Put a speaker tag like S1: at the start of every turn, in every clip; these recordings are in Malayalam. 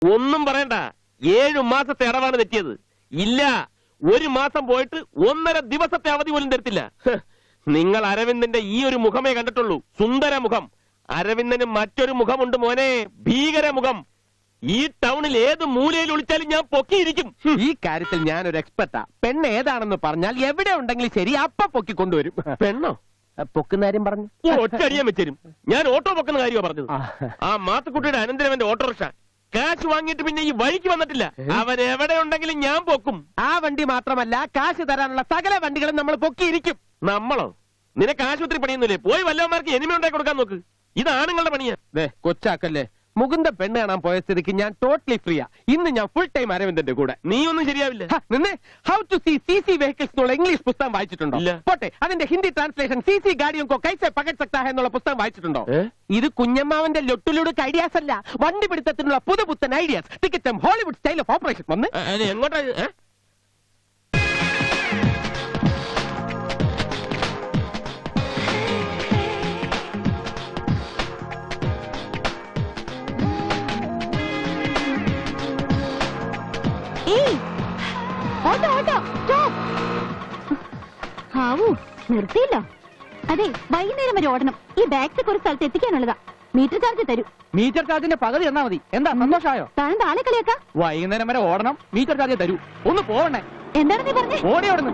S1: ഒന്നും പറയണ്ട, 7 മാസത്തെ അടവാണ് തെറ്റിയത്. ഇല്ല, 1 മാസം പോയിട്ട് 1.5 ദിവസത്തെ അവധി പോലും തരത്തില്ല. നിങ്ങൾ അരവിന്ദന്റെ ഈ ഒരു മുഖമേ കണ്ടിട്ടുള്ളൂ, സുന്ദര മുഖം. അരവിന്ദന് മറ്റൊരു മുഖമുണ്ട് മോനെ, ഭീകര മുഖം. ഈ ടൗണിൽ ഏത് മൂലയിൽ ഒളിച്ചാലും ഞാൻ പൊക്കിയിരിക്കും.
S2: ഈ കാര്യത്തിൽ ഞാനൊരു എക്സ്പെർട്ടാ. പെണ്ണ് ഏതാണെന്ന് പറഞ്ഞാൽ എവിടെ ഉണ്ടെങ്കിലും ശരി അപ്പ പൊക്കി കൊണ്ടുവരും.
S1: പെണ്ണോ?
S2: പൊക്കുന്ന കാര്യം പറഞ്ഞു
S1: ഒറ്റടിയാൻ വെച്ചരും. ഞാൻ ഓട്ടോ പൊക്കുന്ന കാര്യമാണ് പറഞ്ഞത്. ആ മാത്തുക്കുട്ടിയുടെ അനന്തരവന്റെ ഓട്ടോറിക്ഷ കാശ് വാങ്ങിയിട്ട് പിന്നെ ഈ വഴിക്ക് വന്നിട്ടില്ല. അവൻ എവിടെ ഉണ്ടെങ്കിലും ഞാൻ പൊക്കും.
S2: ആ വണ്ടി മാത്രമല്ല, കാശ് തരാനുള്ള സകല വണ്ടികളും നമ്മൾ പൊക്കിയിരിക്കും.
S1: നമ്മളോ? നിനക്ക് ആശുപത്രി പണിയൊന്നുമില്ലേ? പോയി വല്ലവന്മാർക്ക് എനിമ ഉണ്ടാക്കി കൊടുക്കാൻ നോക്ക്. ഇതാണുങ്ങളുടെ പണിയാ.
S2: കൊച്ചാക്കല്ലേ, മുകുന്ദ പെണ്ണ് കാണാൻ പോയ സ്ഥിതിക്ക് ഞാൻ ടോട്ടലി ഫ്രീയാ. ഇന്ന് ഞാൻ ഫുൾ ടൈം അരവിന്ദന്റെ കൂടെ.
S1: നീ ഒന്നും ശരിയാവില്ല.
S2: How to see CC vehicles എന്നുള്ള ഇംഗ്ലീഷ് പുസ്തകം വായിച്ചിട്ടുണ്ടോ? പോട്ടെ, അതിന്റെ ഹിന്ദി ട്രാൻസ്ലേഷൻ CC ഗാഡിയും കോ കൈസെ പകട് സക്താ ഹൈ എന്നുള്ള പുസ്തകം വായിച്ചിട്ടുണ്ടോ? ഇത് കുഞ്ഞമ്മാവന്റെ ലൊട്ടുലുടുക്ക് ഐഡിയാസ് അല്ല, വണ്ടി പിടുത്തത്തിനുള്ള പുതുപുത്തൻ ഐഡിയാസ്. ടിക്കറ്റും ഹോളിവുഡ് സ്റ്റൈൽ ഓഫ് ഓപ്പറേഷൻ വന്ന്
S1: എങ്ങോട്ടാ?
S3: നിർത്തിയില്ലോ. അതെ, വൈകുന്നേരം വരെ ഓടണം. ഈ ബാഗ്സ് ഒരു സ്ഥലത്ത് എത്തിക്കാനുള്ളതാ. മീറ്റർ ചാർജ് തരൂ.
S2: മീറ്റർ ചാർജിന്റെ പകുതി എന്നാ മതി. എന്താ സന്തോഷമായോ?
S3: താഴെ ആളെ കളിയാക്കാം.
S2: വൈകുന്നേരം വരെ ഓടണം, മീറ്റർ ചാർജ് തരൂ. ഒന്ന് പോവണേ.
S3: എന്താണ് നീ പറഞ്ഞേ?
S2: ഓടി ഓടുന്നു.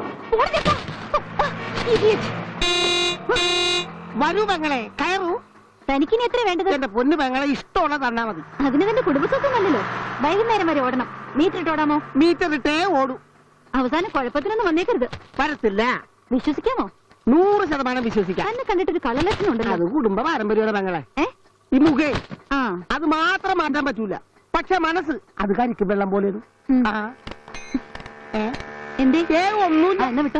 S4: വരൂ പെങ്ങളെ, കയറൂ.
S3: തനിക്കിനി എത്ര വേണ്ടത്?
S4: എന്റെ പൊന്നു പെങ്ങളെ, ഇഷ്ടമുള്ള തന്നാ മതി.
S3: അതിന് തന്റെ കുടുംബസ്വത്വം നല്ലല്ലോ. വൈകുന്നേരം വരെ ഓടണം, മീറ്റർ ഇട്ടോടാമോ?
S4: മീറ്റർ ഇട്ടേ ഓടൂ.
S3: അവസാനം കുഴപ്പത്തിനൊന്നും വന്നേക്കരുത്.
S4: വരത്തില്ല.
S3: വിശ്വസിക്കാമോ?
S4: 100% വിശ്വസിക്കാം.
S3: തന്നെ കണ്ടിട്ടൊരു കള്ളലക്ഷണം ഉണ്ടല്ലോ.
S4: അത് കുടുംബ പാരമ്പര്യമാണ് പെങ്ങളെ. ഈ മുഖേ അത് മാത്രം മാറ്റാൻ പറ്റൂല. പക്ഷെ മനസ്സ് അത് കരിക്കും വെള്ളം പോലെ.
S3: എന്തേ?
S4: ഒന്നുമില്ല.
S3: എന്നാ വിട്ടോ.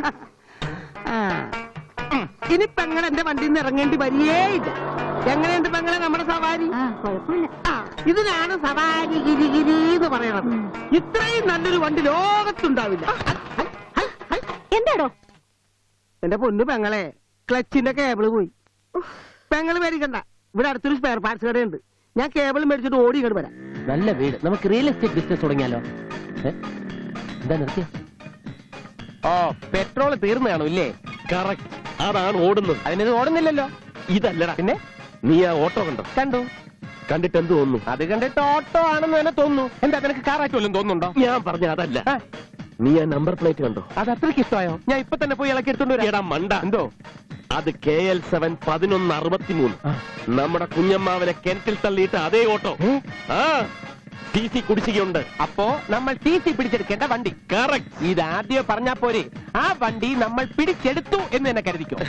S4: ഇനി പെങ്ങൾ എന്റെ വണ്ടിയിൽ നിന്ന് ഇറങ്ങേണ്ടി വരികേയില്ല. എങ്ങനെയുണ്ട് പെങ്ങളെ നമ്മുടെ സവാരി?
S3: കുഴപ്പമില്ല.
S4: ഇതിനാണ് സവാരി ഗിരിഗിരി എന്ന് പറയണത്. ഇത്രയും നല്ലൊരു വണ്ടി ലോകത്തുണ്ടാവില്ല.
S3: എന്താടോ?
S4: എന്റെ പൊന്നു പെങ്ങളെ, ക്ലച്ചിന്റെ കേബിള് പോയി. പെങ്ങള് മേടിക്കണ്ട, ഇവിടെ അടുത്തൊരു സ്പെയർ പാർട്സ് കടയുണ്ട്. ഞാൻ കേബിൾ മേടിച്ചിട്ട് ഓടി ഇങ്ങോട്ട് വരാം.
S2: നല്ല വീട്. നമുക്ക് റിയൽ എസ്റ്റേറ്റ് ബിസിനസ് തുടങ്ങിയാലോ? എന്താ നിർത്തിയ? ഓ, പെട്രോൾ തീർന്നു കാണും ഇല്ലേ?
S1: കറക്റ്റ്, അതാണ് ഓടുന്നത്.
S2: അതിനത് ഓടുന്നില്ലല്ലോ.
S1: ഇതല്ലടാ.
S2: പിന്നെ
S1: നീ ആ ഓട്ടോ കണ്ടോ?
S2: കണ്ടു.
S1: കണ്ടിട്ട് എന്ത് തോന്നുന്നു?
S2: അത് കണ്ടിട്ട് ഓട്ടോ ആണെന്ന് തന്നെ തോന്നുന്നു. എന്താ നിനക്ക് കാറായിട്ട് വല്ലതും തോന്നുന്നുണ്ടോ?
S1: ഞാൻ പറഞ്ഞ അതല്ല. നീ ആ നമ്പർ പ്ലേറ്റ് കണ്ടോ?
S2: അത് അത്രയ്ക്ക് ഇഷ്ടമായോ? ഞാൻ ഇപ്പൊ തന്നെ പോയി ഇളക്കി എടുത്തോണ്ട് വരാം.
S1: മണ്ട.
S2: എന്തോ?
S1: അത് KL7 1163. നമ്മുടെ കുഞ്ഞമ്മാവനെ കിണറ്റിൽ തള്ളിയിട്ട് അതേ ഓട്ടോ. TC കുടിശ്ശികയുണ്ട്.
S2: അപ്പോ നമ്മൾ TC പിടിച്ചെടുക്കേണ്ട വണ്ടി.
S1: കറക്റ്റ്.
S2: ഇത് ആദ്യം പറഞ്ഞാ പോരെ? ആ വണ്ടി നമ്മൾ പിടിച്ചെടുത്തു എന്ന് തന്നെ കരുതിക്കോ.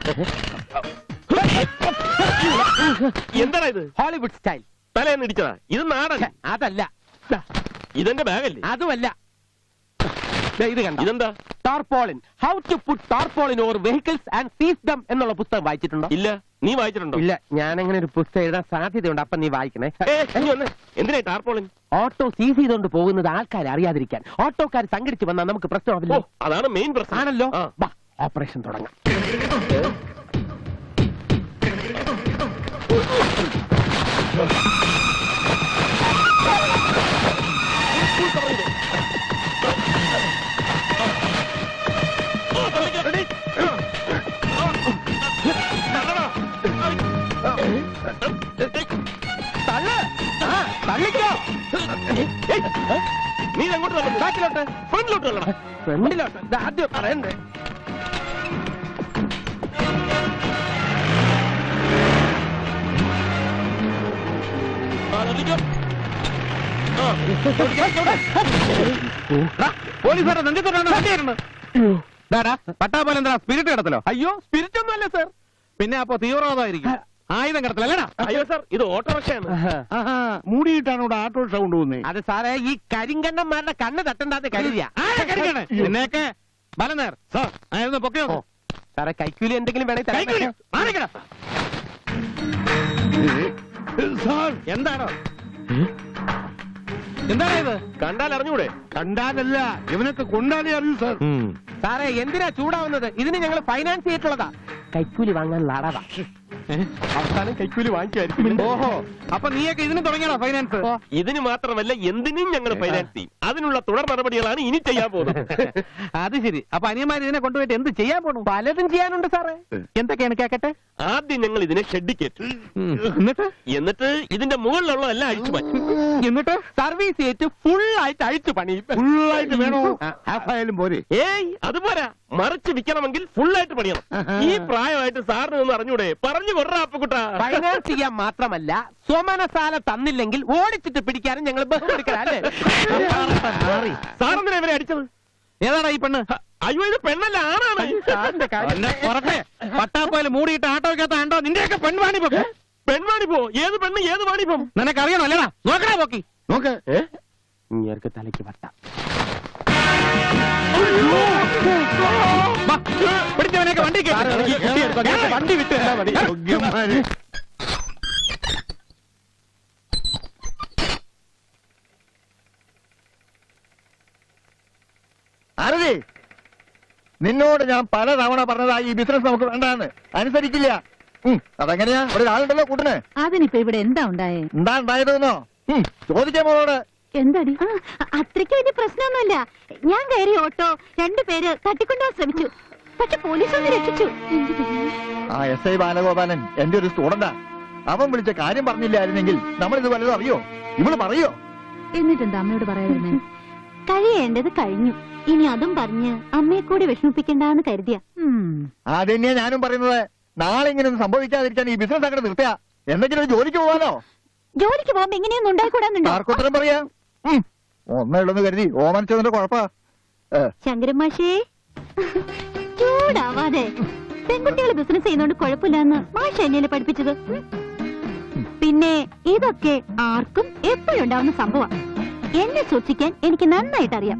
S1: എന്താ ഇത്?
S2: Hollywood style.
S1: തലേന്ന് ഇടിച്ചതാ. ഇത് നാടൻ.
S2: അതല്ല.
S1: ഇതെന്റെ ബാഗല്ലേ?
S2: അതുമല്ല. ഇത് കണ്ട.
S1: ഇതെന്താ?
S2: Tarpaulin. How to put tarpaulin over vehicles and seize them എന്നുള്ള പുസ്തകം വായിച്ചിട്ടുണ്ടോ?
S1: ഇല്ല. നീ വായിച്ചിട്ടുണ്ടോ?
S2: ഇല്ല. ഞാൻ അങ്ങനെ ഒരു പുസ്തകം എഴുതാൻ സാധ്യതയുണ്ട്. അപ്പൊ നീ വായിക്കണേ.
S1: എന്തിനാ ടാർപോളിൻ?
S2: ഓട്ടോ സീസ് ചെയ്തുകൊണ്ട് പോകുന്നത് ആൾക്കാരെ അറിയാതിരിക്കാൻ. ഓട്ടോക്കാർ സംഘടിച്ച് വന്നാൽ നമുക്ക് പ്രശ്നമാവില്ല.
S1: അതാണ് മെയിൻ പ്രശ്നം.
S2: ആണല്ലോ. ഓപ്പറേഷൻ തുടങ്ങാം.
S1: നീ അങ്ങോട്ട് ബാക്കിലോട്ട്, ഫ്രണ്ടിലോട്ട് തള്ളണം.
S2: ഫ്രണ്ടിലോട്ട് ആദ്യം പറയണ്ടേ?
S1: പോലീസുകാരെ നെഞ്ചത്തോടാണ്.
S2: പട്ടാ പോലെ എന്താ സ്പിരിറ്റ് കിടത്തലോ? അയ്യോ, സ്പിരിറ്റ് ഒന്നും അല്ല സാർ.
S1: പിന്നെ അപ്പൊ തീവ്രവാദമായിരിക്കും.
S2: ആയുധം കിടത്തലല്ലടാ.
S1: അയ്യോ സാർ, ഇത് ഓട്ടോറിക്ഷയാണ്.
S4: മൂടിയിട്ടാണ് ഇവിടെ ഓട്ടോറിക്ഷ കൊണ്ടുപോകുന്നത്.
S2: അത് സാറേ, ഈ കരിങ്കണ്ണന്മാരുടെ കണ്ണ് തട്ടണ്ടാതെ കരുതിയാ.
S1: നിന്നെയൊക്കെ ബലനേർ സാർ ആയിരുന്നു പൊക്കയോ?
S2: സാറേ, കൈക്കൂലി എന്തെങ്കിലും വേണമെങ്കിൽ
S1: എന്താണോ? എന്താണ് ഇത്? കണ്ടാൽ അറിഞ്ഞൂടെ?
S4: കണ്ടാലല്ല, ഇവനൊക്കെ കൊണ്ടാലേ അറിയൂ സാർ.
S2: സാറേ, എന്തിനാ ചൂടാവുന്നത്? ഇതിന് ഞങ്ങൾ ഫൈനാൻസ് ചെയ്തിട്ടുള്ളതാ. കൈക്കൂലി വാങ്ങാനുള്ള അടവാ. അവസാനം കൈക്കൂലി വാങ്ങിക്കുമായിരിക്കും.
S5: ഓഹോ, അപ്പൊ നീയൊക്കെ ഇതിന് തുടങ്ങിയാണോ ഫൈനാൻസ്?
S1: ഇതിന് മാത്രമല്ല എന്തിനും ഞങ്ങൾ ഫൈനാൻസ് ചെയ്യും. അതിനുള്ള തുടർ നടപടികളാണ് ഇനി ചെയ്യാൻ പോകുന്നത്.
S5: അത് ശരി. അപ്പൊ അനിയന്മാർ ഇതിനെ കൊണ്ടുപോയിട്ട് എന്ത് ചെയ്യാൻ പോണു?
S2: പലതും ചെയ്യാനുണ്ട് സാറേ. എന്തൊക്കെയാണ് കേക്കട്ടെ?
S1: ആദ്യം ഞങ്ങൾ ഇതിനെ ഷെഡിൽ കയറ്റും. എന്നിട്ട് ഇതിന്റെ മുകളിലുള്ളതെല്ലാം അഴിച്ചു മാറ്റും.
S2: എന്നിട്ട് സർവീസ് ചെയ്തിട്ട് ഫുൾ ആയിട്ട് അഴിച്ചു പണിയും.
S5: ഫുള്ളായിട്ട് വേണോ? ഹാഫായാലും പോരെ?
S1: ഏയ് അതുപോരാ, മറിച്ച് വിൽക്കണമെങ്കിൽ ഫുള്ളായിട്ട് പണിയണം. ഈ പ്രായമായിട്ട് സാറിന് ഒന്ന് അറിഞ്ഞൂടെ? പറഞ്ഞു കൊറ അപ്പക്കുട്ട.
S2: ഫൈനാൻസ് ചെയ്യാൻ മാത്രമല്ല, സ്വമനസാല തന്നില്ലെങ്കിൽ ഓടിച്ചിട്ട് പിടിക്കാനും ഞങ്ങൾ ബഹുമെടുക്കലല്ലേ.
S1: സാറെന്തിനാ ഇവരെ അടിച്ചത്?
S5: ഏതാടാ ഈ പെണ്ണ്?
S1: അയ്യോ, ഇത് പെണ്ണല്ല, ആണാണ്.
S2: സാറിന്റെ കാര്യം
S5: പട്ടാപ്പോയിൽ മൂടിയിട്ട് ആട്ടോ വെക്കാത്ത ആണ്ടോ നിന്റെയൊക്കെ പെൺവാണിപ്പോ.
S1: പെൺവാണിപ്പോ? ഏത് പെണ്ണ്, ഏത് വാണിപ്പം?
S5: നിനക്കറിയണോ അല്ലടാ? നോക്കടാ പോക്കി നോക്ക്.
S2: ഇങ്ങേർക്ക് തലയ്ക്ക് വട്ട.
S5: പിടിച്ചവനെയൊക്കെ വണ്ടി
S2: വണ്ടി വിട്ട് തന്നാ മതി.
S6: ആരതി, നിന്നോട് ഞാൻ പല തവണ പറഞ്ഞതാ ഈ ബിസിനസ് നമുക്ക് വേണ്ടാന്ന്. അനുസരിക്കില്ല. അതെങ്ങനെയാ? ഒരാളുണ്ടല്ലോ കൂട്ടിന്.
S3: അതിനിപ്പോ ഇവിടെ എന്താ ഉണ്ടായേ?
S6: എന്താ ഉണ്ടായതെന്നോ? ചോദിക്കാൻ മോളോട്.
S3: എന്താടി? അത്രയ്ക്ക് വലിയ പ്രശ്നമൊന്നുമില്ല. ഞാൻ കയറി ഓട്ടോ 2 പേര് തട്ടിക്കൊണ്ടുപോകാൻ ശ്രമിച്ചു. പക്ഷെ പോലീസ് ഒന്ന് രക്ഷിച്ചു.
S6: ആ SI ബാലഗോപാലൻ എന്റെ ഒരു സ്റ്റുഡന്റാ. അവൻ വിളിച്ച കാര്യം പറഞ്ഞില്ലായിരുന്നെങ്കിൽ നമ്മളിത് വല്ലതും അറിയോ? ഇവള് പറയോ?
S3: എന്നിട്ടെന്താ അമ്മയോട് പറയാതിരുന്നേ? കഴിയേണ്ടത് കഴിഞ്ഞു. ഇനി അതും പറഞ്ഞ് അമ്മയെ കൂടി വിഷമിപ്പിക്കണ്ടെന്ന് കരുതിയ.
S6: അതന്നെയാ ഞാനും പറയുന്നത്. നാളെ ഇങ്ങനെയൊന്നും സംഭവിക്കാതിരിക്കാൻ ഈ ബിസിനസ് അങ്ങനെ നിർത്തിയ എന്തെങ്കിലും ഒരു ജോലിക്ക് പോവാനോ?
S3: ജോലിക്ക് പോകുമ്പോ ഇങ്ങനെയൊന്നും ഉണ്ടായിക്കൂടാന്നുണ്ടോ?
S6: ആർക്കുത്തരം പറയാ? ഒന്നേ ഉള്ളെന്ന് കരുതി ഓമനിച്ചതിന്റെ കുഴപ്പാ.
S3: ശങ്കരൻ മാഷേ, ചൂടാവാതെ. പെൺകുട്ടികൾ ബിസിനസ് ചെയ്യുന്നോണ്ട് കുഴപ്പമില്ലെന്ന് മാഷ എന്നെ പഠിപ്പിച്ചത്. പിന്നെ ഇതൊക്കെ ആർക്കും എപ്പോഴും ഉണ്ടാവുന്ന സംഭവം. എന്നെ സൂക്ഷിക്കാൻ എനിക്ക് നന്നായിട്ട് അറിയാം.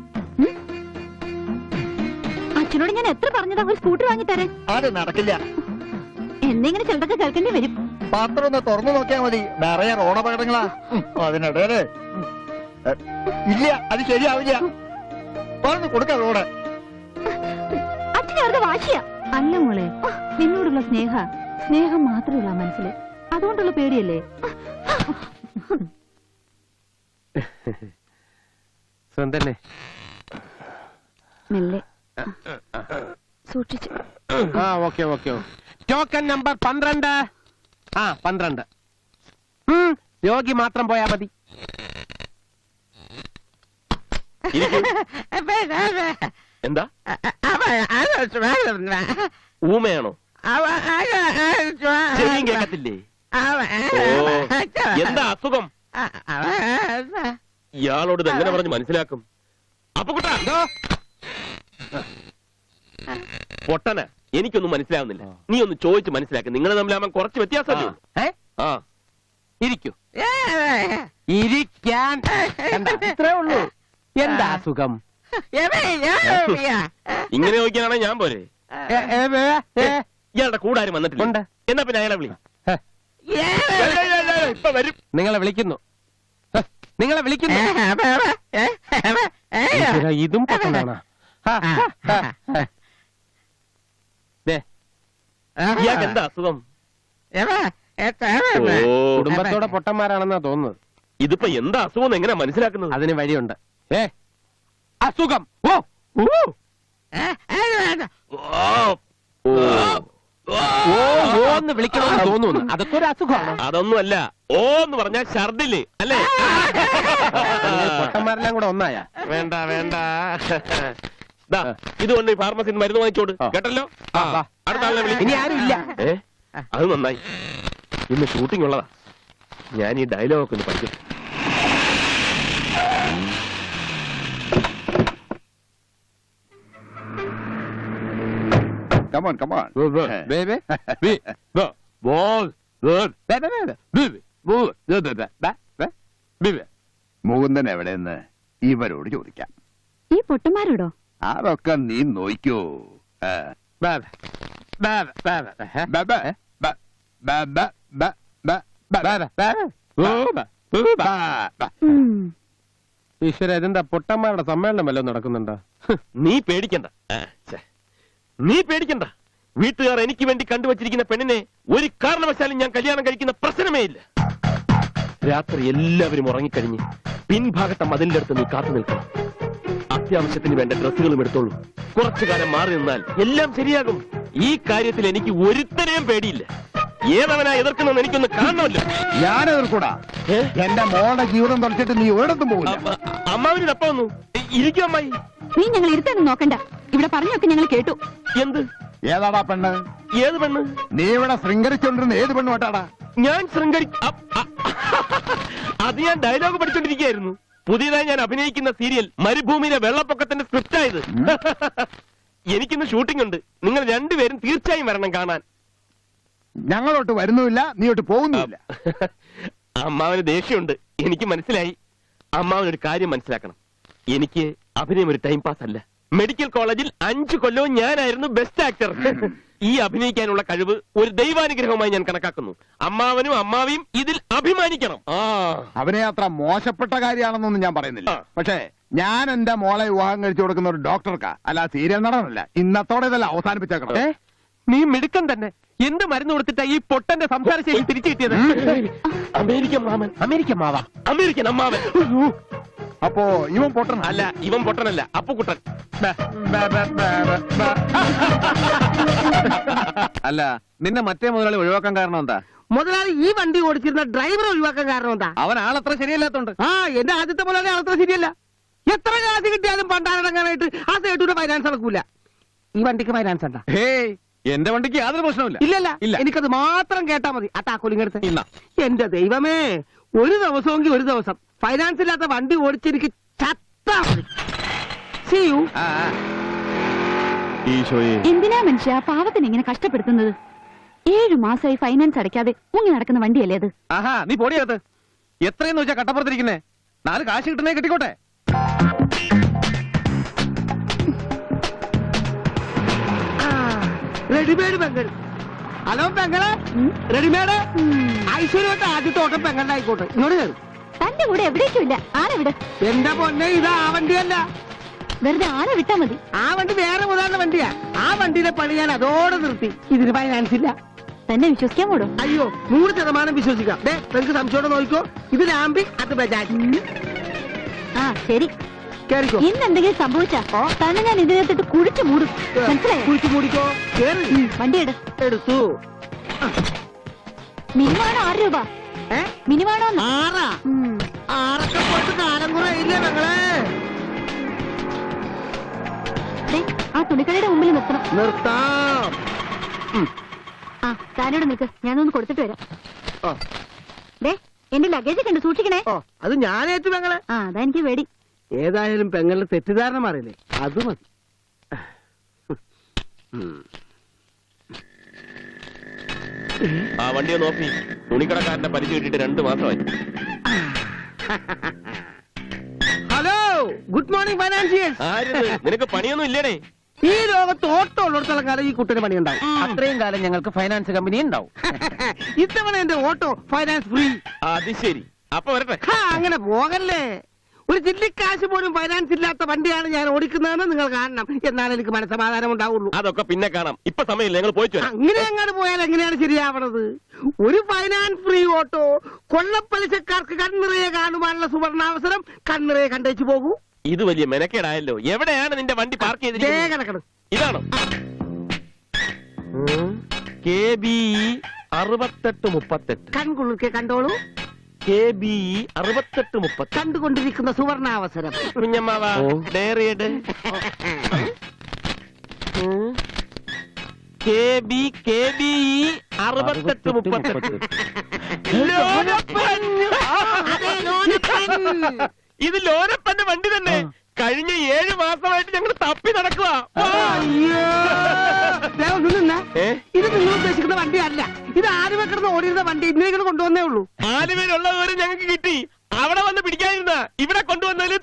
S3: അച്ഛനോട് ഞാൻ എത്ര പറഞ്ഞതാ ഒരു സ്കൂട്ടർ വാങ്ങിത്തരാൻ?
S6: അത് നടക്കില്ല.
S3: എന്തെങ്കിലും ചിലതൊക്കെ കേൾക്കേണ്ടി വരും.
S6: പാത്രം ഒന്ന് തുറന്നു നോക്കിയാ മതി, നിറയെ റോഡപകടങ്ങളാ. അതിനിടയില് ഇല്ല, അത് ശരിയാവില്ല. പറഞ്ഞു കൊടുക്ക റോഡ്.
S3: അച്ഛനെ അവരുടെ വാശിയാ. അല്ല മോളെ, നിന്നോടുള്ള സ്നേഹം മാത്രമല്ല മനസ്സില്, അതുകൊണ്ടുള്ള പേടിയല്ലേ?
S2: സ്വന്തല്ലേ?
S3: മെല്ലെ സൂക്ഷിച്ചു.
S2: ആ, ഓക്കെ ഓക്കെ. Token number 12. ആ, 12. രോഗി മാത്രം പോയാ മതി.
S1: എന്താ ഊമയാണോ? ചെവിയും കേൾക്കത്തില്ലേ? എന്താ അസുഖം? ഇയാളോട് ഇത് എങ്ങനെ പറഞ്ഞ് മനസ്സിലാക്കും? അപ്പക്കുട്ടാ, പൊട്ടന, എനിക്കൊന്നും മനസ്സിലാവുന്നില്ല. നീ ഒന്ന് ചോദിച്ച് മനസ്സിലാക്കി. നിങ്ങൾ തമ്മിലാവാൻ കുറച്ച് വ്യത്യാസമല്ലോ. ആ,
S2: ഇരിക്കൂ. ഇരിക്കാൻ ഇത്രേ ഉള്ളൂ. എന്താ അസുഖം?
S1: ഇങ്ങനെ ചോദിക്കാനാണെ ഞാൻ പോരെ. ഇയാളുടെ കൂടാരും വന്നിട്ടില്ല. എന്നാ പിന്നെ അയാളെ വിളി. ഇപ്പൊ വരും.
S2: നിങ്ങളെ വിളിക്കുന്നു. ഇതും പൊട്ടനാണ്.
S1: ഇയാൾക്ക് എന്താ അസുഖം?
S2: കുടുംബത്തോടെ പൊട്ടന്മാരാണെന്നാ തോന്നുന്നത്.
S1: ഇതിപ്പോ എന്താ അസുഖം എങ്ങനെ മനസ്സിലാക്കുന്നത്?
S2: അതിന് വഴിയുണ്ട്. അസുഖം ഓന്ന് വിളിക്കണമെന്ന് തോന്നുന്നു. അതൊക്കെ ഒരു അസുഖമാണ്.
S1: അതൊന്നുമല്ല. ഓ എന്ന് പറഞ്ഞാൽ ഛർദില് അല്ലേ?
S2: പൊട്ടന്മാരെല്ലാം കൂടെ ഒന്നായ.
S1: വേണ്ട വേണ്ട, ഇതുകൊണ്ട് ഈ ഫാർമസിന്ന് മരുന്ന് വാങ്ങിച്ചോട്. കേട്ടല്ലോ? അടുത്ത ആളെ വിളി.
S2: ഇനി ആരും ഇല്ല.
S1: അത് നന്നായി. ഇന്ന് ഷൂട്ടിംഗ് ഉള്ളതാ. ഞാൻ ഈ ഡയലോഗ് ഒന്ന് പഠിക്കും.
S5: Come on, come on.
S2: Baby.
S5: Mukundan എവിടെയെന്ന് ഇവരോട് ചോദിക്കാം.
S3: ഈ പൊട്ടന്മാരോടോ?
S5: അതൊക്കെ നീ നോക്കോ.
S2: ഈശ്വര, ഇതെന്താ പൊട്ടന്മാരുടെ സമ്മേളനം വല്ലതും നടക്കുന്നുണ്ടോ?
S1: നീ പേടിക്കണ്ട. നീ പേടിക്കണ്ട. വീട്ടുകാർ എനിക്ക് വേണ്ടി കണ്ടുവച്ചിരിക്കുന്ന പെണ്ണിനെ ഒരു കാരണവശാലും ഞാൻ കല്യാണം കഴിക്കുന്ന പ്രശ്നമേ ഇല്ല. രാത്രി എല്ലാവരും ഉറങ്ങിക്കഴിഞ്ഞ് പിൻഭാഗത്തെ മതിലിന്റെ അടുത്ത് നീ കാത്തു നിൽക്കണം. അത്യാവശ്യത്തിന് വേണ്ട ഡ്രസ്സുകളും എടുത്തോളൂ. കുറച്ചു കാലം മാറി നിന്നാൽ എല്ലാം ശരിയാകും. ഈ കാര്യത്തിൽ എനിക്ക് ഒരുത്തനെയും പേടിയില്ല. ഏതവനാ എതിർക്കണമെന്ന് എനിക്കൊന്ന് കാണണമല്ലോ.
S6: ഞാൻ എതിർക്കൂടാ. എന്റെ മോളുടെ ജീവിതം തുറച്ചിട്ട് നീ ഒരിടത്തും പോകില്ല.
S1: അമ്മാവിന് തപ്പ വന്നു. ഇരിക്കും അമ്മായി.
S3: നീ ഞങ്ങൾ ഇരുത്തൊന്നും നോക്കണ്ട. ഇവിടെ പറഞ്ഞൊക്കെ ഞങ്ങൾ കേട്ടു.
S1: എന്ത്?
S6: ഏതാടാ പെണ്ണ്?
S1: ഏത് പെണ്ണ്?
S6: നീ ഇവിടെ ശൃംഗരിച്ചോണ്ടിരുന്ന ഏത് പെണ്ണ് കേട്ടാടാ?
S1: ഞാൻ അത് ഞാൻ ഡയലോഗ് പഠിച്ചോണ്ടിരിക്കുകയായിരുന്നു. പുതിയതായി ഞാൻ അഭിനയിക്കുന്ന സീരിയൽ മരുഭൂമിയിലെ വെള്ളപ്പൊക്കത്തിന്റെ സ്ക്രിപ്റ്റ് ആയത്. എനിക്കിന്ന് ഷൂട്ടിംഗ് ഉണ്ട്. നിങ്ങൾ രണ്ടുപേരും തീർച്ചയായും വരണം കാണാൻ.
S6: ഞങ്ങളോട്ട് വരുന്നുമില്ല, നീയോട്ട് പോകുന്നുമില്ല.
S1: അമ്മാവന് ദേഷ്യമുണ്ട്, എനിക്ക് മനസ്സിലായി. അമ്മാവനൊരു കാര്യം മനസ്സിലാക്കണം. എനിക്ക് അഭിനയം ഒരു ടൈം പാസ് അല്ല. മെഡിക്കൽ കോളേജിൽ 5 കൊല്ലവും ഞാനായിരുന്നു ബെസ്റ്റ് ആക്ടർ. ഈ അഭിനയിക്കാനുള്ള കഴിവ് ഒരു ദൈവാനുഗ്രഹമായി ഞാൻ കണക്കാക്കുന്നു. അമ്മാവനും അമ്മാവിയും ഇതിൽ അഭിമാനിക്കണം.
S6: അവനെ അത്ര മോശപ്പെട്ട കാര്യമാണെന്നൊന്നും ഞാൻ പറയുന്നില്ല. പക്ഷേ ഞാൻ എന്റെ മോളെ വിവാഹം കഴിച്ചു കൊടുക്കുന്ന ഒരു ഡോക്ടർക്കാ, അല്ല സീരിയൽ നടനല്ല. ഇന്നത്തോടെ ഇതല്ല അവസാനിപ്പിച്ചേക്കണം.
S2: നീ മിടുക്കൻ തന്നെ. എന്ത് മരുന്ന് കൊടുത്തിട്ടാ ഈ പൊട്ടന്റെ സംസാരശൈലി തിരിച്ചു കിട്ടിയത്?
S1: അമേരിക്കൻ മാമൻ.
S2: അമേരിക്കൻ മാവാ?
S1: അമേരിക്കൻ അമ്മാവൻ.
S6: അപ്പോ ഇവൻ പൊട്ടൻ
S1: അല്ല, ഇവൻ പൊട്ടനല്ല, അപ്പുക്കുട്ടൻ.
S5: അല്ല, നിന്നെ മറ്റേ മുതലാളി ഒഴിവാക്കാൻ കാരണം എന്താ?
S4: മുതലാളി ഈ വണ്ടി ഓടിച്ചിരുന്ന ഡ്രൈവറെ ഒഴിവാക്കാൻ കാരണം എന്താ?
S5: അവൻ ആളത്ര ശരിയല്ലാത്തോണ്ട്.
S4: എന്റെ ആദ്യത്തെ മുതലാളി ആളത്ര ശരിയല്ല. എത്ര കാശ് കിട്ടിയാലും പണ്ടാരടങ്ങാനായിട്ട് ആ സേട്ടൂടെ ഫൈനാൻസ് നടക്കൂല. ഈ വണ്ടിക്ക് ഫൈനാൻസ് ഉണ്ടാ?
S5: ഹേയ്, എന്റെ വണ്ടിക്ക് യാതൊരു പ്രശ്നമില്ല.
S4: ഇല്ലല്ല,
S5: ഇല്ല.
S4: എനിക്കത് മാത്രം കേട്ടാ മതി. ആ താക്കോലിങ്ങടുത്ത്.
S5: ഇല്ല.
S4: എന്റെ ദൈവമേ, ഒരു ദിവസമെങ്കിൽ ഒരു ദിവസം ഫൈനാൻസ് ഇല്ലാത്ത വണ്ടി ഓടിച്ചെനിക്ക് ചത്താ മതി. See you.
S5: ഈശോയെ,
S3: എന്തിനാ മനുഷ്യ പാവത്തിന് ഇങ്ങനെ കഷ്ടപ്പെടുത്തുന്നത്? 7 മാസമായി ഫൈനാൻസ് അടയ്ക്കാതെ മുങ്ങി നടക്കുന്ന വണ്ടിയല്ലേ അത്?
S5: ആഹാ, നീ പൊടിയകത്ത്. എത്രയെന്ന് വെച്ചാ കട്ടപ്പുറത്തിരിക്കുന്നേ? 4 കാശ് കിട്ടുന്നേ കിട്ടിക്കോട്ടെ.
S4: റെഡിമേഡ് പെങ്ങൾ. ഹലോ പെങ്ങളെ, റെഡിമേഡ്. ഐശ്വര്യമായിട്ട് ആദ്യത്തെ ഓട്ടം പെങ്ങളുടെ ആയിക്കോട്ടെ. ഇങ്ങോട്ട് കയറും.
S3: തന്റെ കൂടെ എവിടേക്കും ഇല്ല. ആരെ വിട്.
S4: എന്റെ പൊന്നെ, ഇത് ആ വണ്ടിയല്ല.
S3: വെറുതെ ആരെ വിട്ടാ മതി.
S4: ആ വണ്ടി വേറെ മുതലാളുടെ വണ്ടിയാ. ആ വണ്ടിയുടെ പണി ഞാൻ അതോടെ നിർത്തി. ഇതിന് ഫൈനാൻസ് ഇല്ല.
S3: തന്നെ വിശ്വസിക്കാൻ കൂടോ?
S4: അയ്യോ, 100% വിശ്വസിക്കാം. നിങ്ങൾക്ക് സംശയോടെ നോക്കിക്കോ. ഇത് ലാമ്പി, അത് ബജാജ്.
S3: ആ ശരി,
S4: കേറിക്കോ.
S3: ഇന്ന് എന്തെങ്കിലും സംഭവിച്ചാ തന്നെ ഞാൻ ഇതിനകത്തിട്ട് കുഴിച്ചു മൂടും. മനസ്സിലായോ?
S4: കുഴിച്ചു മൂടിക്കോ. കേറി.
S3: വണ്ടി
S4: എടുത്തു.
S3: മിനിമാണോ 6 രൂപ? മിനിമാണോ?
S4: 6 6ഒക്കെ പോയിട്ട് കാലം കുറെ ഇല്ലേ പെങ്ങളെ?
S3: ആ തുണിക്കടയുടെ മുമ്പിൽ നിർത്തണം.
S4: നിർത്താം.
S3: ആ താനോട് നിൽക്ക്, ഞാനൊന്ന് കൊടുത്തിട്ട് വരാം. എന്റെ ലഗേജ് കണ്ട് സൂക്ഷിക്കണേ.
S4: അത് ഞാനേറ്റു പെങ്ങളെ.
S3: ആ അതാ എനിക്ക് പേടി.
S4: ഏതായാലും പെങ്ങളുടെ തെറ്റിദ്ധാരണ മാറിയില്ലേ, അത് മതി.
S1: ആ വണ്ടിയെ നോക്കി. തുണിക്കടക്കാരന്റെ പരിചയം കിട്ടിയിട്ട് 2 മാസമായി.
S4: Hello, good morning financiers.
S1: ആരിത്? നിനക്ക് പണിയൊന്നും ഇല്ലേടേ?
S4: ഈ ലോകത്ത് ഓട്ടം ഉള്ളിടത്തോളം കാലം ഈ കുട്ടിന് പണിയുണ്ടാവും.
S2: അത്രയും കാലം ഞങ്ങൾക്ക് ഫൈനാൻസ് കമ്പനി ഉണ്ടാവും.
S4: ഇത്തവണ എന്റെ ഓട്ടോ ഫൈനാൻസ് ഫ്രീ.
S1: അത് ശരി. അപ്പൊ വരട്ടെ.
S4: അങ്ങനെ പോകല്ലേ. ഒരു ചില്ലിക്കാശ് പോലും ഫൈനാൻസ് ഇല്ലാത്ത വണ്ടിയാണ് ഞാൻ ഓടിക്കുന്നതെന്ന് നിങ്ങൾ കാണണം. എന്നാലും എനിക്ക് മനസ്സമാധാനം ഉണ്ടാവുള്ളൂ.
S1: അതൊക്കെ പിന്നെ കാണാം. ഇപ്പൊ സമയമില്ല, ഞങ്ങൾ പോയിട്ട് വരാം.
S4: അങ്ങനെ അങ്ങോട്ട് പോയാൽ എങ്ങനെയാണ് ശരിയാവണത്? ഒരു ഫൈനാൻസ് ഫ്രീ ഓട്ടോ കൊള്ളപ്പലിശക്കാർക്ക് കണ്ണിറയെ കാണുവാനുള്ള സുവർണാവസരം. കണ്ണിറയെ കണ്ടേച്ചു പോകൂ.
S1: ഇത് വലിയ മെനക്കേടായല്ലോ. എവിടെയാണ് നിന്റെ വണ്ടി പാർക്ക് ചെയ്തിരിക്കുന്നത്?
S4: കിടക്കണം.
S1: ഇതാണോ? KBE 6838.
S4: കൺകുളിർക്കെ കണ്ടോളൂ.
S1: KBE 6830.
S4: കണ്ടുകൊണ്ടിരിക്കുന്ന സുവർണാവസരം.
S1: കുഞ്ഞമ്മാവ ഡയറിയുടെ KBE 6830. ഇത് ലോനപ്പന്റെ വണ്ടി തന്നെ. കഴിഞ്ഞ 7 മാസമായിട്ട് ഞങ്ങൾ തപ്പി നടക്കുക.
S4: ഇത് നിങ്ങൾ ഉദ്ദേശിക്കുന്ന വണ്ടിയല്ല. ഇത് ആലുവ കിടന്ന് ഓടിയിരുന്ന വണ്ടി. ഇന്നലെ കൊണ്ടുവന്നേ ഉള്ളൂ.
S1: ആലുവയിലുള്ളവര് ഞങ്ങൾക്ക് കിട്ടി. അവിടെ വന്ന് പിടിക്കാതിരുന്ന ഇവിടെ കൊണ്ടുവന്നതിൽ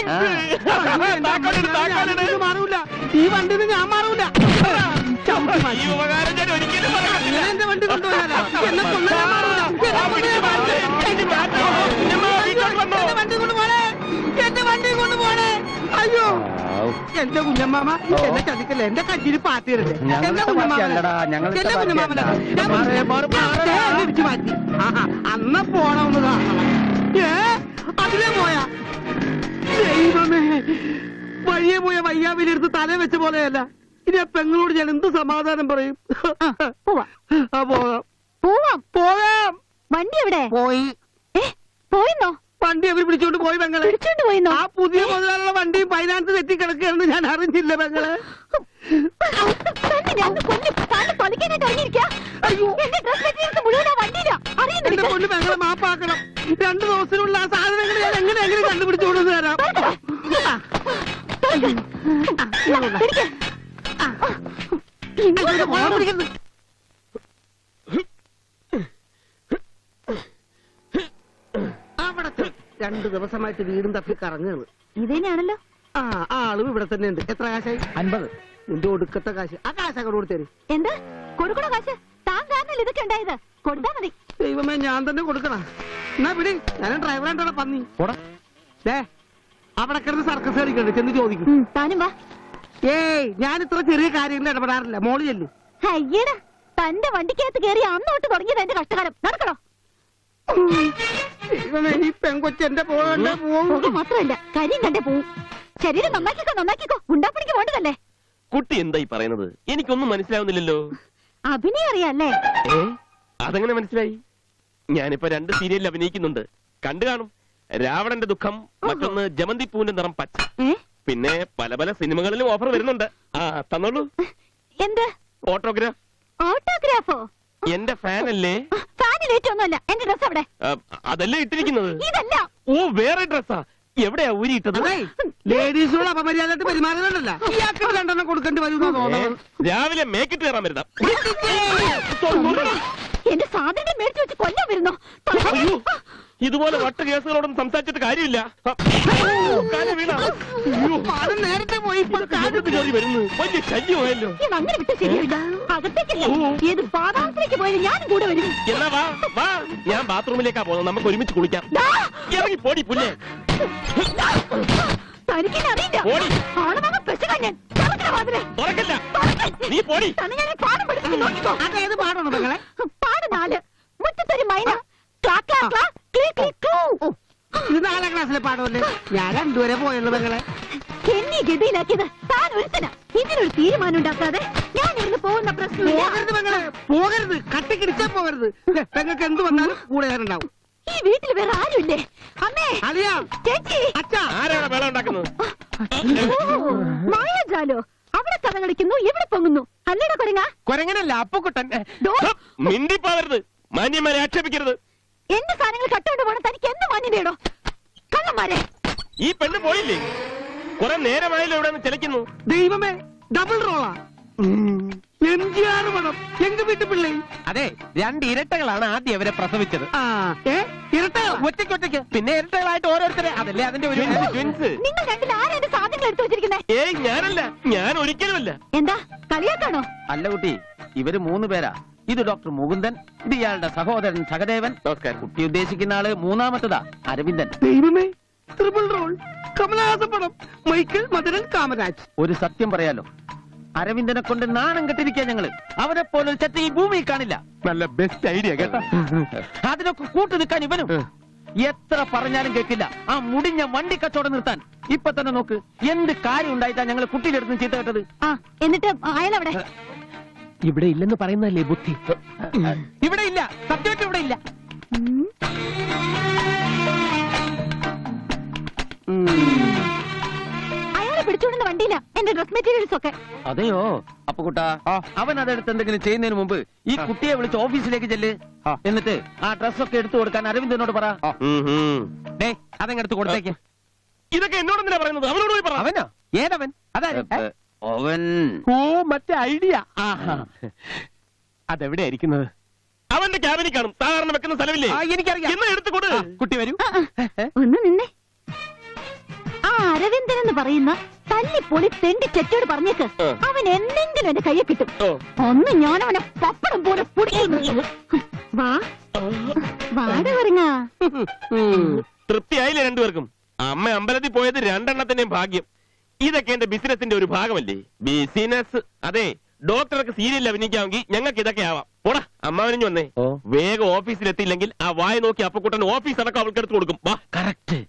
S4: മാറൂല. ഈ വണ്ടി ഞാൻ മാറൂല.
S1: ഈ ഉപകാരം ഞാൻ ഒരിക്കലും
S4: എന്റെ വണ്ടി കൊണ്ടുപോയാലോ? എന്നെ കൊണ്ടുപോയാ മാറൂല. വണ്ടി കൊണ്ടുപോണേ. എന്റെ വണ്ടി കൊണ്ടുപോണേ. അയ്യോ, എന്റെ കുഞ്ഞമ്മാമ എന്നെ ചതിക്കല്ലേ, എന്റെ കഞ്ചിരി പാത്തിരല്ലേ എന്റെ ഇടിച്ചു മാറ്റി. അന്ന പോണമെന്ന് കാണണം. അതിലേ പോയാ ദൈവമേ, വഴിയെ പോയ വയ്യാവിലെടുത്ത് തല വെച്ച പോലെയല്ല. ഇനി ആ പെങ്ങളോട് ഞാൻ എന്ത് സമാധാനം പറയും? പോകാം.
S3: വണ്ടി എവിടെ
S4: പോയി
S3: പോയിന്നോ?
S4: വണ്ടി അവർ പിടിച്ചോണ്ട് പോയി പെങ്ങളെ.
S3: പിടിച്ചോണ്ട് പോയിന്നോ?
S4: ആ പുതിയ മുതലുള്ള വണ്ടിയും ഫൈനാൻസ് തെറ്റി കിടക്കുകയാണെന്ന് ഞാൻ അറിഞ്ഞില്ല പെങ്ങളെ. എന്റെ പൊന്ന് പെങ്ങളെ മാപ്പാക്കണം. 2 ദിവസത്തിനുള്ള ആ സാധനങ്ങൾ ഞാൻ എങ്ങനെ കണ്ടുപിടിച്ചോണ്ട് തരാം. അവിടെ 2 ദിവസമായിട്ട് വീടും തപ്പി കറങ്ങുകയാണ്.
S3: ഇതന്നെയാണല്ലോ.
S4: ആ ആളും ഇവിടെ തന്നെ ഉണ്ട്. എത്ര കാശായി? 50. നിന്റെ ഒടുക്കത്തെ കാശ്. ആ കാശൊക്കെ കൊടുത്തേര്.
S3: എന്ത് കൊടുക്കണോ കാശ്? താൻ കാരണല്ലേ ഇതൊക്കെ ഉണ്ടായത്. കൊടുത്താ മതി.
S4: ദൈവമേ, ഞാൻ തന്നെ കൊടുക്കണം. എന്നാ പിടി, ഞാൻ ഡ്രൈവറായിട്ടോടെ പന്നി. അവിടെ കിടന്ന് സർക്കസ് കളിക്കണ്ട്, ചെന്ന് ചോദിക്കും.
S3: താനും വാ.
S4: ഏയ്, ഞാൻ ഇത്ര ചെറിയ കാര്യങ്ങളിൽ ഇടപെടാറില്ല. മോളി ചെല്ലു.
S3: അയ്യടാ, തന്റെ വണ്ടിക്കകത്ത് കയറി അന്നോട്ട് തുടങ്ങിയത് എന്റെ കഷ്ടകാലം. നടക്കണോ?
S4: ദൈവമേ, ഈ പെങ്കൊച്ചെന്റെ പോകണ്ട പോകും.
S3: മാത്രമല്ല കരിയും കണ്ടേ പോവും. ശരീരം നന്നാക്കിക്കോ. ഗുണ്ടാപ്പണിക്ക് വേണ്ടതല്ലേ.
S1: കുട്ടി എന്തായി പറയുന്നത്? എനിക്കൊന്നും മനസ്സിലാവുന്നില്ലല്ലോ.
S3: അഭിനയം അറിയാല്ലേ?
S1: അതെങ്ങനെ മനസ്സിലായി? ഞാനിപ്പോ 2 സീരിയലിൽ അഭിനയിക്കുന്നുണ്ട്, കണ്ടു കാണും. രാവണന്റെ ദുഃഖം, മറ്റൊന്ന് ജമന്തി പൂവിന്റെ നിറം പച്ച. പിന്നെ പല സിനിമകളിലും ഓഫർ വരുന്നുണ്ട്. ആ തന്നോളൂ.
S3: എന്ത്
S1: ഓട്ടോഗ്രാഫ്?
S3: ഓട്ടോഗ്രാഫോ?
S1: എന്റെ ഫാനല്ലേ?
S3: ഫാനിലേറ്റൊന്നുമല്ല. എന്റെ ഡ്രസ് അവിടെ.
S1: അതല്ലേ ഇട്ടിരിക്കുന്നത്?
S3: ഇതല്ല.
S1: ഓ, വേറെ ഡ്രസ്സാ. എവിടെയാ ഊരിയിട്ടത്?
S4: ലേഡീസിനോട് അപമര്യാദയായിട്ട് പെരുമാറുന്നുണ്ടല്ല. ഇയാൾക്ക് 2 കൊടുക്കേണ്ടി വരുന്ന തോന്നുന്നത്.
S1: രാവിലെ മേക്കിട്ട് കയറാൻ വരുന്ന
S3: എന്റെ സാധനങ്ങൾ മേടിച്ചു വെച്ച് കൊല്ലാൻ വരുന്നോ?
S1: ഇതുപോലെ വട്ട കേസുകളോടൊന്നും സംസാരിച്ചിട്ട് കാര്യമില്ല.
S4: നേരത്തെ പോയി
S1: വരുന്നു, വലിയ ശല്യമായല്ലോ.
S3: അങ്ങനെ വിട്ട് ശരിയാവില്ല. അകത്തേക്കല്ല, ഏത് പാതാളത്തിലേക്ക് പോയാലും ഞാനും കൂടെ വരും.
S1: എന്നാ വാ, ഞാൻ ബാത്റൂമിലേക്കാ പോകുന്നത്. നമുക്ക് ഒരുമിച്ച് കുളിക്കാം. ഇറങ്ങി പോടി പുല്ലേ.
S3: തനിക്കെന്നെ അറിയില്ല. ആണവങ്ങ പെശകാൻ ഞാൻ.
S1: തുറക്കല്ല, നീ പോടി.
S3: പാഠം പഠിപ്പിച്ച് നോക്കിക്കോ.
S4: അതേത് പാടാണ് മകളെ?
S3: പാട് 4. മുറ്റത്തൊരു മൈന. ക്ലാ ക്ലാ ക്ലാ ക്ലീ ക്ലീ ക്ലൂ.
S4: ഇത് 4ാം ക്ലാസ്സിലെ പാടമല്ലേ? ഞാൻ 2 വരെ പോയുള്ളൂ മകളെ.
S3: എന്നെ ഗതിയിലാക്കിയത് താൻ ഒരുത്തനാ. ഇതിനൊരു തീരുമാനം ഉണ്ടാക്കാതെ ഞാൻ ഇന്ന് പോകുന്ന പ്രശ്നമില്ല.
S4: പോകരുത് മകളെ, പോകരുത്. കട്ടിക്കിടിച്ചാ പോകരുത്. പെങ്ങൾക്ക് എന്ത് വന്നാലും കൂടെ ഞാനുണ്ടാവും.
S3: ഈ വീട്ടിൽ വേറെ ആരുമില്ലേ? അമ്മേ,
S4: അളിയാ,
S3: ചേച്ചി,
S4: അച്ഛാ.
S1: ആരാണ് വേളം ഉണ്ടാക്കുന്നത്?
S3: മായാജാലോ. അവിടെ കഥ കളിക്കുന്നു, ഇവിടെ പൊങ്ങുന്നു. അല്ലേടാ കൊരങ്ങ?
S2: കൊരങ്ങനല്ല, അപ്പുക്കുട്ടൻ.
S1: മിണ്ടിപ്പോവരുത്, മാന്യന്മാരെ ആക്ഷേപിക്കരുത്.
S3: എന്റെ സാധനങ്ങൾ കട്ടുകൊണ്ട് പോണ തനിക്ക് എന്ത് മാന്യതയോ? കള്ളന്മാരെ.
S1: ഈ പെണ്ണ് പോയില്ലേ? കുറെ നേരമായല്ലോ ഇവിടെ നിന്ന് ചെലക്കുന്നു.
S4: ദൈവമേ, ഡബിൾ റോളാ. MGR പടം. എങ്ക വീട്ടു പിള്ളേ.
S2: അതെ, 2 ഇരട്ടകളാണ് ആദ്യം അവരെ പ്രസവിച്ചത്.
S4: ഇരട്ടകളാ?
S2: ഒറ്റയ്ക്ക്. പിന്നെ ഇരട്ടകളായിട്ട് ഓരോരുത്തരെ. അതല്ലേ അതിന്റെ ഒരു
S1: ട്വിൻസ്.
S3: നിങ്ങൾ രണ്ടിൽ ആരാ എന്റെ സാധനങ്ങൾ എടുത്തു വെച്ചിരിക്കുന്നേ?
S1: ഏയ്, ഞാനല്ല, ഞാൻ ഒരിക്കലുമല്ല.
S3: എന്താ കളിയാക്കാണോ?
S5: അല്ല കുട്ടി, ഇവര് 3 പേരാ. ഇത് ഡോക്ടർ മുകുന്ദൻ, ഇത് ഇയാളുടെ സഹോദരൻ സഹദേവൻ. കുട്ടി ഉദ്ദേശിക്കുന്ന ആള് 3ാമത്തതാ, അരവിന്ദൻ.
S4: ദൈവമേ, ട്രിപ്പിൾ റോൾ. കമലഹാസൻ പടം. മൈക്കിൾ, മദനൻ, കാമരാജ്.
S5: ഒരു സത്യം പറയാലോ, അരവിന്ദനെ കൊണ്ട് നാണം കെട്ടിരിക്കുക ഞങ്ങള്. അവരെ പോലൊരു ചെറ്റ ഈ ഭൂമിയിൽ കാണില്ല.
S2: നല്ല ബെസ്റ്റ് ഐഡിയ കേട്ടോ.
S5: അതിനൊക്കെ കൂട്ടു നിൽക്കാൻ ഇവനും. എത്ര പറഞ്ഞാലും കേൾക്കില്ല. ആ മുടിഞ്ഞ വണ്ടി കച്ചവടം നിർത്താൻ ഇപ്പൊ തന്നെ നോക്ക്. എന്ത് കാര്യം ഉണ്ടായിട്ടാ ഞങ്ങൾ കുട്ടിയുടെ അടുത്ത് ചീത്ത കേട്ടത്.
S3: എന്നിട്ട് അയാളവിടെ?
S2: ഇവിടെ ഇല്ലെന്ന് പറയുന്നല്ലേ ബുദ്ധി. ഇവിടെ ഇല്ല, സത്യമായിട്ട് ഇവിടെ ഇല്ല.
S3: അയാളെ പിടിച്ചോണ്ടുന്ന വണ്ടിയില്ല എന്റെ ഡ്രസ് മെറ്റീരിയൽസ് ഒക്കെ.
S5: അതെയോ? അപ്പൊ കുട്ടാ, അവൻ അതെടുത്ത് എന്തെങ്കിലും ചെയ്യുന്നതിന് മുമ്പ് ഈ കുട്ടിയെ വിളിച്ച് ഓഫീസിലേക്ക് ചെല്ല്. എന്നിട്ട് ആ ഡ്രസ്സൊക്കെ എടുത്തു കൊടുക്കാൻ അരവിന്ദനോട് പറ.
S2: അതങ്ങെടുത്ത് കൊടുത്തേക്ക്.
S1: ഇതൊക്കെ എന്നോട് എന്തിനാ പറയുന്നത്? അവനോട് പോയി പറ.
S2: അവനോ? ഏതവൻ? അതായത്
S5: അവൻ
S2: മറ്റേ ഐഡിയ. അതെവിടെയാ ഇരിക്കുന്നത്?
S1: അവന്റെ ക്യാബിനിൽ കാണും. സാധാരണ വെക്കുന്ന സ്ഥലമില്ലേ?
S2: എനിക്കറിയാം.
S1: എന്ന് എടുത്തു കൊടു.
S2: കുട്ടി വരൂ.
S3: ഒന്ന് നിന്നെ. ആ അരവിന്ദൻ എന്ന് പറയുന്ന തല്ലിപ്പൊളി തെണ്ടി ചെറ്റോട് പറഞ്ഞേക്ക്. അവൻ എന്തെങ്കിലും എന്റെ കയ്യെ കിട്ടും. ഒന്ന് ഞാൻ അവനെ പപ്പടം പോലെ പൊടിക്കുന്നു. വാട പറഞ്ഞ
S1: തൃപ്തിയായില്ലേ 2 പേർക്കും? അമ്മ അമ്പലത്തിൽ പോയത് 2 എണ്ണത്തിന്റെയും ഭാഗ്യം. ഇതൊക്കെ എന്റെ ബിസിനസിന്റെ ഒരു ഭാഗമല്ലേ? ബിസിനസ് അതെ. ഡോക്ടർക്ക് സീരിയലിൽ അഭിനയിക്കാമെങ്കിൽ ഞങ്ങൾക്ക് ഇതൊക്കെ ആവാം. പോടാ, അമ്മാവനും വന്നേ. വേഗം ഓഫീസിലെത്തിയില്ലെങ്കിൽ ആ വായ നോക്കി അപ്പക്കുട്ടൻ ഓഫീസ് അടക്കം അവൾക്ക് എടുത്തു കൊടുക്കും. വാ.
S5: കറക്റ്റ്.